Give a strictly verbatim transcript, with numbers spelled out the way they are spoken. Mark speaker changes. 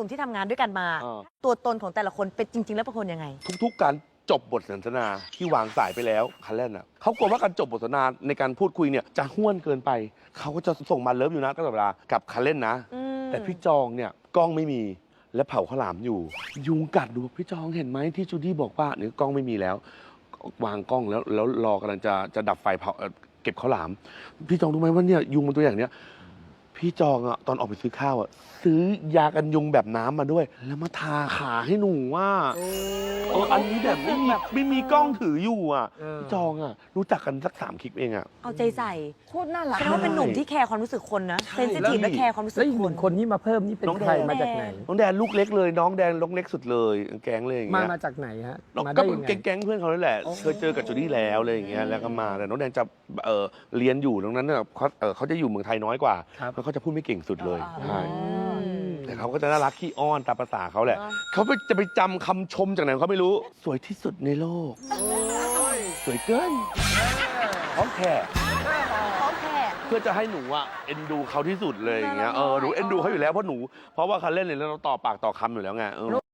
Speaker 1: นุ่มๆที่ทำงานด้วยกันมา ตัวตนของแต่ละคนเป็นจริงๆแล้วเป็นคนยังไง
Speaker 2: ทุกๆการจบบทสนทนาที่วางสายไปแล้วคันแรกน่ะเขากลัวว่าการจบบทสนทนาในการพูดคุยเนี่ยจะห้วนเกินไปเขาก็จะส่งมาเลิฟอยู่นะตลอดเวลากับคันเล่นนะแต่พี่จองเนี่ยกล้องไม่มีและเผาข้าวหลามอยู่ยุงกัดดูพี่จองเห็นไหมที่จูดี้บอกว่าเนี่ยกล้องไม่มีแล้ววางกล้องแล้วแล้วรอกำลังจะจะดับไฟเผาเก็บข้าวหลามพี่จองรู้ไหมว่าเนี่ยยุงมันตัวอย่างเนี้ยพี่จองอะตอนออกไปซื้อข้าวอะซื้อยากันยุงแบบน้ำมาด้วย แล้วมาทาขาให้หนูว่าเอออันนี้แบบไม่มีไม่มีกล้องถืออยู่อ่ะพี่จองอะรู้จักกันสักสามคลิปเองอ่ะ
Speaker 1: เอาใจใส่
Speaker 3: โคตรน่ารัก
Speaker 1: แสดงว่าเป็นหนุ่มที่แคร์ความรู้สึกคนนะเซนซิทีฟและแคร์ความรู้สึก
Speaker 4: แล้วอีก
Speaker 1: ค
Speaker 4: ห
Speaker 1: น
Speaker 4: นึ่งคนที่มาเพิ่มนี่เป็นใครมาจากไหน
Speaker 2: น้องแดนลูกเล็กเลยน้องแดนลูกเล็กสุดเลยแก๊งเลยอย่าง
Speaker 4: มา
Speaker 2: เงี้ย
Speaker 4: มาจากไหนฮะมา
Speaker 2: ก็
Speaker 4: ได้
Speaker 2: เป็
Speaker 4: ยั
Speaker 2: น
Speaker 4: งไง
Speaker 2: แก๊งๆเพื่อนเขาเลยแหละเคยเจอกับจูดี้แล้วอะไรอย่างเงี้ยแล้วก็มาแต่น้องแดนจะเออเรียนอยู่ตรงนั้นเนี่ยเขาเออเขาจะอยู่เมืองไทยน้อยกว่าแล้วเขาจะพูดไม่เก่งสุดเลยใช่แต่เขาก็จะน่ารักขี้อ้อนตามภาษาเขาแหละเขาไปจะไปจำคำชมจากไหนเขาไม่รู้สวยที่สุดในโลกสวยเกินพร้อมแค่เพื่อจะให้หนูอ่ะเอ็นดูเขาที่สุดเลยอย่างเงี้ยเออหนูเอ็นดูเขาอยู่แล้วเพราะหนูเพราะว่าเขาเล่นเนี่ยแล้วเราต่อปากต่อคำอยู่แล้วไง